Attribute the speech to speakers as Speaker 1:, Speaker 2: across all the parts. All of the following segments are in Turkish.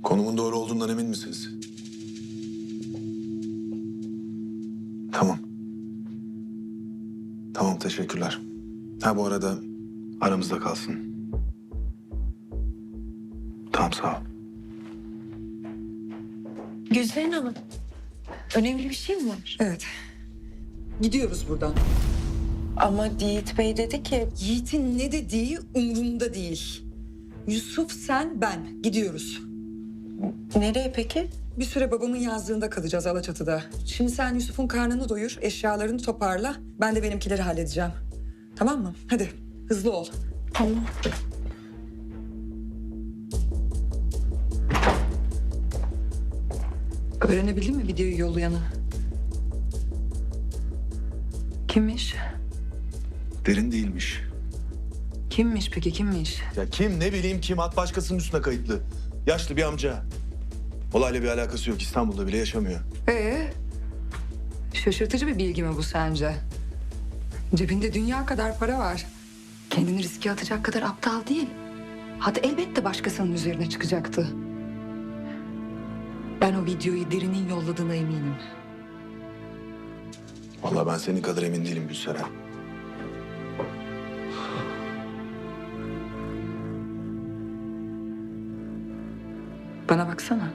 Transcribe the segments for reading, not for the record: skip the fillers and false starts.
Speaker 1: Konumun doğru olduğundan emin misiniz? Tamam. Tamam, teşekkürler. Ha, bu arada aramızda kalsın. Tamam, sağ ol.
Speaker 2: Gülseren Hanım, önemli bir şey mi var?
Speaker 3: Evet. Gidiyoruz buradan.
Speaker 2: Ama Yiğit Bey dedi ki...
Speaker 3: Yiğit'in ne dediği umurumda değil. Yusuf, sen, ben. Gidiyoruz.
Speaker 2: Nereye peki?
Speaker 3: Bir süre babamın yazlığında kalacağız Alaçatı'da. Şimdi sen Yusuf'un karnını doyur, eşyalarını toparla. Ben de benimkileri halledeceğim. Tamam mı? Hadi hızlı ol.
Speaker 2: Tamam.
Speaker 3: Öğrenebildin mi videoyu yollayanı? Kimmiş?
Speaker 1: Derin değilmiş.
Speaker 3: Kimmiş peki, kimmiş?
Speaker 1: Ya kim, ne bileyim kim, at başkasının üstüne kayıtlı. Yaşlı bir amca. Olayla bir alakası yok, İstanbul'da bile yaşamıyor.
Speaker 3: Şaşırtıcı bir bilgi mi bu sence? Cebinde dünya kadar para var. Kendini riske atacak kadar aptal değil. Hatta elbette başkasının üzerine çıkacaktı. Ben o videoyu Derin'in yolladığına eminim.
Speaker 1: Vallahi ben senin kadar emin değilim Gülseren.
Speaker 3: Bana baksana.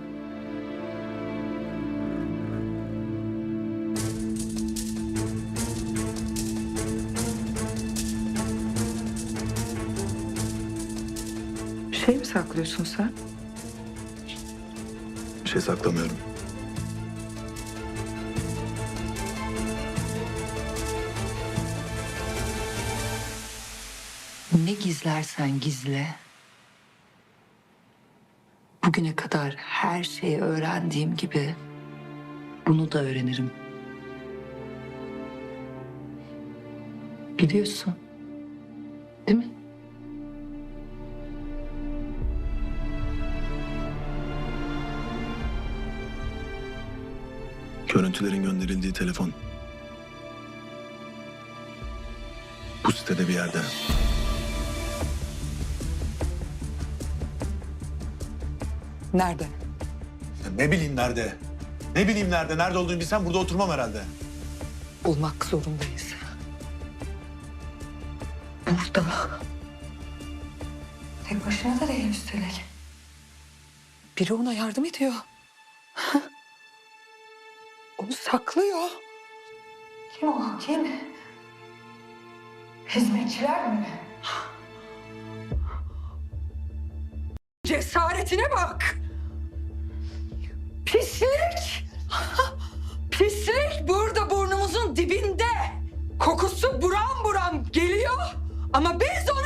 Speaker 3: Bir şey mi saklıyorsun sen?
Speaker 1: Bir şey saklamıyorum.
Speaker 3: Ne gizlersen gizle. Bugüne kadar her şeyi öğrendiğim gibi bunu da öğrenirim. Biliyorsun. Değil mi?
Speaker 1: Görüntülerin gönderildiği telefon. Bu sitede bir yerde.
Speaker 3: Nerede?
Speaker 1: Ya ne bileyim nerede? Ne bileyim nerede? Nerede olduğunu bilsem burada oturmam herhalde.
Speaker 3: Bulmak zorundayız. Burada. Tek başına da değil üstelik. Biri ona yardım ediyor. Onu saklıyor. Kim o? Kim? Hizmetçiler mi? Cesaretine bak! Pislik! Pislik burada burnumuzun dibinde. Kokusu buram buram geliyor ama biz